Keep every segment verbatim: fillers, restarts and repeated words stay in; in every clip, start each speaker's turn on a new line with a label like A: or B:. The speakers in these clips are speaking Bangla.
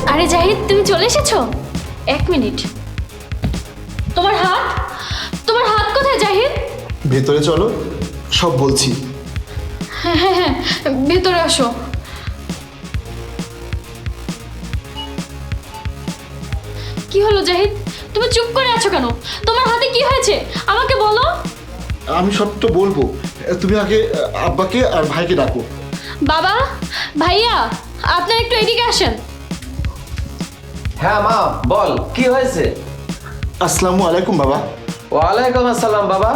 A: আরে জাহিদ, তুমি চলে এসেছো? এক মিনিট। তোমার হাত, তোমার হাত কোথায় জাহিদ?
B: ভেতরে চলো, সব বলছি।
A: হ্যাঁ হ্যাঁ হ্যাঁ, ভেতরে আসো। কি হলো জাহিদ, তুমি চুপ করে আছো কেন? তোমার হাতে কি হয়েছে আমাকে বলো।
B: আমি সবটা বলবো, তুমি আগে আব্বাকে আর ভাইকে ডাকো।
A: বাবা, ভাইয়া, আপনারা একটু এদিকে আসেন।
C: হ্যাঁ মা, বল কি হয়েছে?
B: আসসালামু আলাইকুম বাবা।
C: ওয়ালাইকুম আসসালাম বাবা।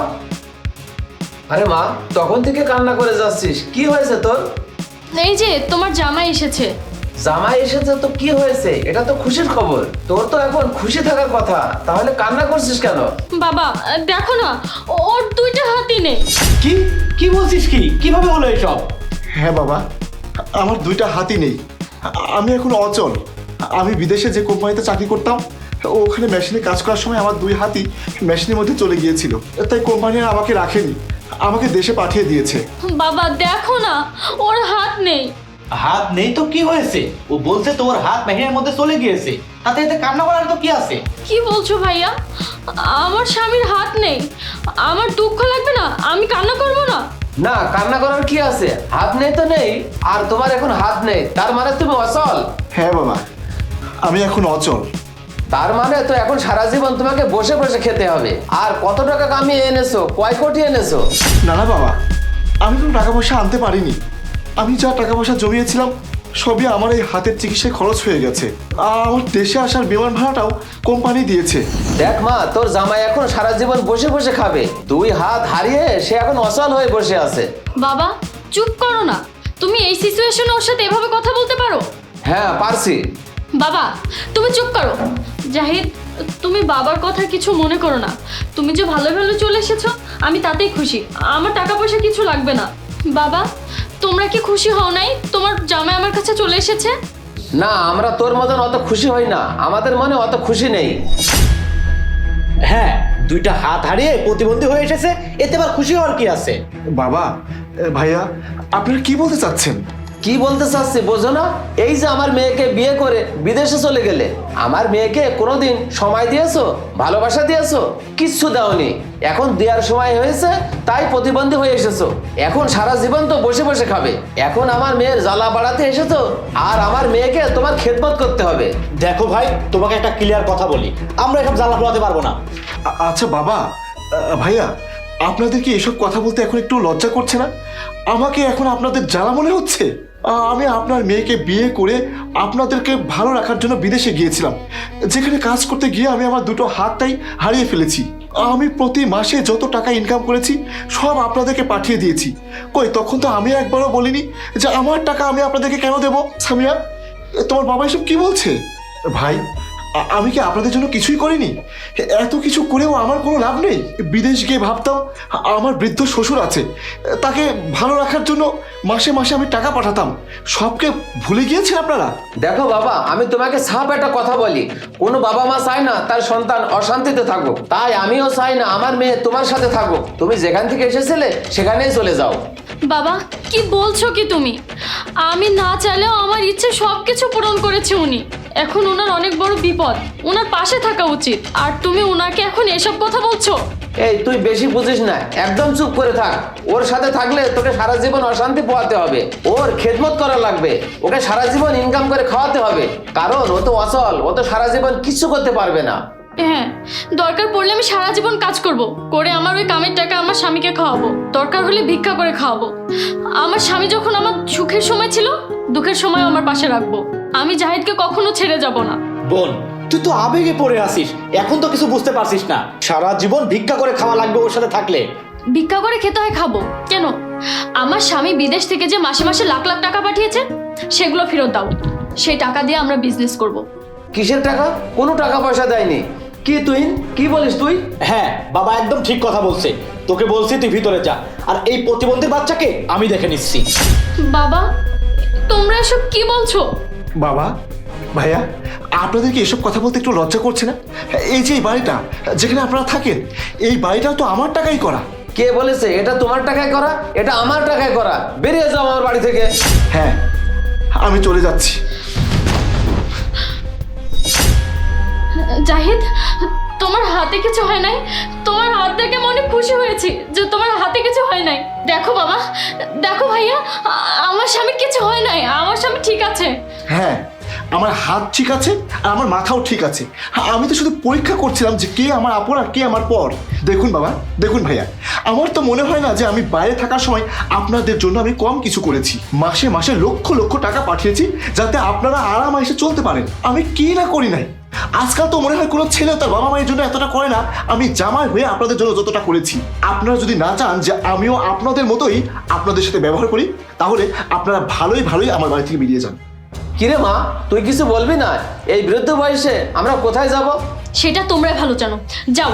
C: আরে মা, তখন থেকে কান্না করে যাচ্ছিস, কি হয়েছে তোর?
A: এই যে তোমার জামাই এসেছে।
C: জামাই এসেছে তো কি হয়েছে? এটা তো খুশির খবর। তোর তো এখন খুশি থাকার কথা, তাহলে কান্না করছিস কেন?
A: বাবা দেখো না, ও- ওর দুইটা হাতই নেই।
D: কি কি বলছিস? কি কিভাবে হলো এসব?
B: হ্যাঁ বাবা, আমার দুইটা হাতই নেই। আমি এখন অচল। আমি বিদেশে যে কোম্পানিতে চাকরি করতাম, ওখানে মেশিনে কাজ করার সময় আমার দুই হাতই মেশিনের মধ্যে চলে গিয়েছিল, তাই কোম্পানি আর আমাকে রাখেনি, আমাকে দেশে পাঠিয়ে দিয়েছে।
A: বাবা দেখো না, ওর হাত নেই।
D: হাত নেই তো কি হয়েছে? ও বলছে তোর হাত মেশিনের মধ্যে চলে গিয়েছে, তাতে এতে কান্না করার তো কি আছে?
A: কি বলছো ভাইয়া? আমার স্বামীর হাত নেই, আমার দুঃখ লাগবে না? আমি কান্না করবো না?
C: না, কান্না করার কি আছে? হাত নেই তো নেই, আর তোমার এখন হাত নেই, তার মানে তুমি অচল।
B: হ্যাঁ বাবা, আমি এখন অচল।
C: তার মানে তো এখন সারা জীবন তোমাকে বসে বসে খেতে হবে। আর কত টাকা কামিয়ে এনেছো? কয় কোটি এনেছো?
B: না না বাবা, আমি কোনো টাকা পয়সা আনতে পারিনি। আমি যা টাকা পয়সা জমিয়েছিলাম সবই আমার এই হাতের চিকিৎসায় খরচ হয়ে গেছে। আর আমার দেশে আসার বিমান ভাড়াটাও কোম্পানি দিয়েছে।
C: দেখ মা, তোর জামাই এখন সারা জীবন বসে বসে খাবে। দুই হাত হারিয়ে সে এখন অচল হয়ে বসে আছে।
A: বাবা চুপ করো না, তুমি এই সিচুয়েশনে ওর সাথে এভাবে কথা বলতে পারো?
C: হ্যাঁ পারছি।
A: বাবা তুমি চুপ করো। জাহিদ, তুমি বাবার কথা কিছু মনে করো না। তুমি যে ভালো ভালো চলে এসেছো, আমি তাতেই খুশি। আমার টাকা পয়সা কিছু লাগবে না। বাবা, তোমরা কি খুশি হও নাই তোমার জামাই আমার কাছে চলে এসেছে?
C: না, আমরা তোর মতন অত খুশি হই না, আমাদের মনে অত খুশি নেই।
D: হ্যাঁ, দুইটা হাত হারিয়ে প্রতিবন্ধী হয়ে এসেছে, এতে আবার খুশি হওয়ার কি আছে?
B: বাবা, এ, ভাইয়া, আপনারা কি বলতে চাচ্ছেন?
C: কি বলতে চাচ্ছি বোঝো না? এই যে আমার মেয়েকে বিয়ে করে বিদেশে চলে গেলে, আমার মেয়েকে কোনোদিন সময় দিয়েছো, ভালোবাসা দিয়েছো? কিচ্ছু দাওনি। এখন দেওয়ার সময় হয়েছে, তাই প্রতিবন্ধী হয়ে এসেছো। এখন সারা জীবন তো বসে বসে খাবে। এখন আমার মেয়ের জ্বালা বাড়াতে এসেছো, আর আমার মেয়েকে তোমার খেদমত করতে হবে।
D: দেখো ভাই, তোমাকে একটা ক্লিয়ার কথা বলি, আমরা এসব জ্বালা পোড়াতে পারবো না।
B: আ- আচ্ছা বাবা, আ, ভাইয়া, আপনাদের কি এসব কথা বলতে এখন একটু লজ্জা করছে না? আমাকে এখন আপনাদের জ্বালা মনে হচ্ছে? আ, আমি আপনার মেয়েকে বিয়ে করে আপনাদেরকে ভালো রাখার জন্য বিদেশে গিয়েছিলাম, যেখানে কাজ করতে গিয়ে আমি আমার দুটো হাতটাই হারিয়ে ফেলেছি। আমি প্রতি মাসে যত টাকা ইনকাম করেছি সব আপনাদেরকে পাঠিয়ে দিয়েছি। কই, তখন তো আমি একবারও বলিনি যে আমার টাকা আমি আপনাদেরকে কেন দেবো। সামিয়া, তোমার বাবা এসব কি বলছে? ভাই, আ- আমি কি আপনাদের জন্য কিছুই করিনি? এত কিছু করেও আমার কোনো লাভ নেই? বিদেশ গিয়ে ভাবতাম আমার বৃদ্ধ শ্বশুর আছে, তাকে ভালো রাখার জন্য মাসে মাসে আমি টাকা পাঠাতাম। সবকে ভুলে গিয়েছেন আপনারা?
C: দেখো বাবা, আমি তোমাকে সাপ একটা কথা বলি, কোনো বাবা মা চায় না তার সন্তান অশান্তিতে থাকুক, তাই আমিও চাই না আমার মেয়ে তোমার সাথে থাকুক। তুমি যেখান থেকে এসেছিলে সেখানেই চলে যাও।
A: বাবা কি বলছো কি তুমি? আমি না চাইলেও আমার ইচ্ছে সব কিছু পূরণ করেছে উনি। এখন ওনার অনেক বড় বিপদ, ওনার পাশে থাকা উচিত। আর তুমি ওনাকে এখন এসব কথা বলছো?
C: এই তুই বেশি বুঝিস না, একদম চুপ করে থাক। ওর সাথে থাকলে তোকে সারা জীবন অশান্তি পোহাতে হবে, ওর খেদমত করা লাগবে, ওকে সারা জীবন ইনকাম করে খাওয়াতে হবে, কারণ ও তো অচল, ও তো সারা জীবন কিছু করতে পারবে না।
A: হ্যাঁ, দরকার পড়লে আমি সারা জীবন কাজ করব, করে আমার ওই কামের টাকা আমার স্বামীকে খাওয়াবো, দরকার হলে ভিক্ষা করে খাওয়াবো। আমার স্বামী যখন আমার সুখের সময় ছিল, দুঃখের সময় আমার পাশে রাখবো। আমি জাহিদকে কখনো ছেড়ে যাব না।
D: বোন, তুই তো আবেগে পড়ে আসিস, এখন তো কিছু বুঝতে পারছিস না। সারা জীবন ভিক্ষা করে খাওয়া লাগবে ওর সাথে থাকলে।
A: ভিক্ষা করে খেতে হয়, খাবো কেন? আমার স্বামী বিদেশ থেকে যে মাসে মাসে লাখ লাখ টাকা পাঠিয়েছে, সেগুলো ফেরত দাও। সেই টাকা দিয়ে আমরা বিজনেস করব।
C: কিসের টাকা? কোনো টাকা পয়সা দেয়নি। কি তুই কি বলিস তুই?
D: হ্যাঁ, বাবা একদম ঠিক কথা বলছে। তোকে বলছি তুই ভিতরে যা, আর এই প্রতিবন্ধী বাচ্চাকে আমি দেখে নিচ্ছি।
A: বাবা তোমরা এসব কি বলছো?
B: বাবা, ভাইয়া, আপনাদেরকে এসব কথা বলতে একটু লজ্জা করছে না? এই যে এই বাড়িটা যেখানে আপনারা থাকেন, এই বাড়িটাও তো আমার টাকাই করা।
C: কে বলেছে এটা তোমার টাকায় করা? এটা আমার টাকায় করা। বেরিয়ে যাও আমার বাড়ি থেকে।
B: হ্যাঁ, আমি চলে যাচ্ছি।
A: জাহিদ, তোমার হাতে কিছু হয় নাই? তোমার হাত দেখে মনে খুশি হয়েছি যে তোমার হাতে কিছু হয় নাই। দেখো বাবা, দেখো ভাইয়া, আ- আমার স্বামী কিছু হয় নাই, আমার স্বামী ঠিক আছে।
B: হ্যাঁ, আমার হাত ঠিক আছে আর আমার মাথাও ঠিক আছে। আমি তো শুধু পরীক্ষা করছিলাম যে কে আমার আপন আর কে আমার পর। দেখুন বাবা, দেখুন ভাইয়া, আমার তো মনে হয় না যে আমি বাইরে থাকার সময় আপনাদের জন্য আমি কম কিছু করেছি। মাসে মাসে লক্ষ লক্ষ টাকা পাঠিয়েছি যাতে আপনারা আরাম এসে চলতে পারেন। আমি কি না করি নাই। আজকাল তো মনে হয় কোনো ছেলে তার বাবা মায়ের জন্য এতটা করে না, আমি জামাই হয়ে আপনাদের জন্য যতটা করেছি। আপনারা যদি না চান যে আমিও আপনাদের মতোই আপনাদের সাথে ব্যবহার করি, তাহলে আপনারা ভালোই ভালোই আমার বাড়ি থেকে বেরিয়ে যান।
C: কিরে মা, তুই কিছু বলবি না? এই বৃদ্ধ বয়সে আমরা কোথায় যাব?
A: সেটা তোমরাই ভালো জানো, যাও।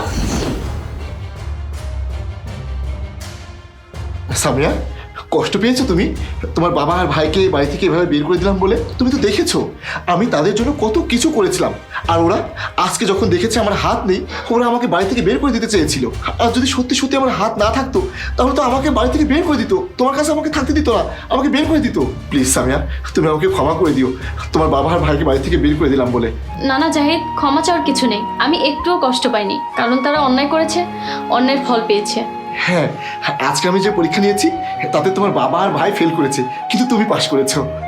B: সামিয়া, কষ্ট পেয়েছো তুমি? তোমার বাবা আর ভাইকে বাড়ি থেকে এভাবে বের করে দিলাম বলে? তুমি তো দেখেছো আমি তাদের জন্য কত কিছু করেছিলাম, আর ওরা আজকে যখন দেখেছে আমার হাত নেই, ওরা আমাকে বাড়ি থেকে বের করে দিতে চেয়েছিল। আর যদি সত্যি সত্যি আমার হাত না থাকতো তাহলে তো আমাকে বাড়ি থেকে বের করে দিত, তোমার কাছে আমাকে থাকতে দিত না, আমাকে বের করে দিত। প্লিজ সামিয়া, তুমি আমাকে ক্ষমা করে দিও তোমার বাবা আর ভাইকে বাড়ি থেকে বের করে দিলাম বলে।
A: না না জাহিদ, ক্ষমা চাওয়ার কিছু নেই। আমি একটুও কষ্ট পাইনি, কারণ তারা অন্যায় করেছে, অন্যায়ের ফল পেয়েছে।
B: হ্যাঁ, আজকে আমি যে পরীক্ষা নিয়েছি তাতে তোমার বাবা আর ভাই ফেল করেছে, কিন্তু তুমি পাশ করেছো।